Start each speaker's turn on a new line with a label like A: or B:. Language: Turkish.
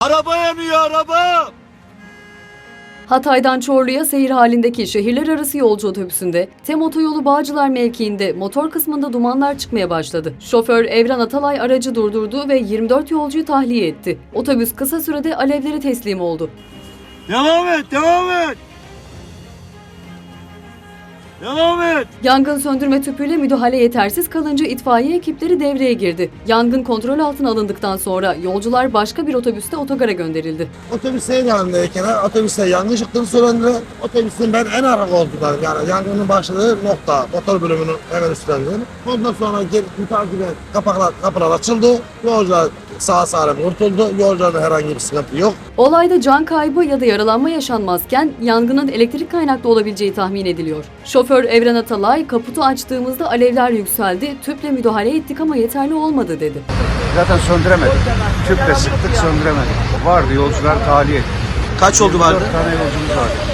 A: Araba yanıyor, araba!
B: Hatay'dan Çorlu'ya seyir halindeki şehirler arası yolcu otobüsünde TEM otoyolu Bağcılar mevkiinde motor kısmında dumanlar çıkmaya başladı. Şoför Evren Atalay aracı durdurdu ve 24 yolcuyu tahliye etti. Otobüs kısa sürede alevlere teslim oldu.
A: Devam et, devam et! Devam et!
B: Yangın söndürme tüpüyle müdahale yetersiz kalınca itfaiye ekipleri devreye girdi. Yangın kontrol altına alındıktan sonra yolcular başka bir otobüste otogara gönderildi.
C: Otobüs seyir halindeyken otobüste yangın çıktığını söylediler. Otobüsün ben en arka koltuğundayım. Yani yangının başladığı nokta, motor bölümünün hemen üstündeyim. Ondan sonra takiben kapılar açıldı. Yolcular sağ salim kurtuldu. Yolcularda herhangi bir sıkıntı yok.
B: Olayda can kaybı ya da yaralanma yaşanmazken yangının elektrik kaynaklı olabileceği tahmin ediliyor. Şoför Evren Atalay, kaputu açtığımızda alevler yükseldi, tüple müdahale ettik ama yeterli olmadı dedi.
D: Zaten söndüremedik. Tüple sıktık, söndüremedik. Vardı, yolcular tahliye ettik.
A: Kaç oldu vardı?
D: 4 tane yolcumuz vardı.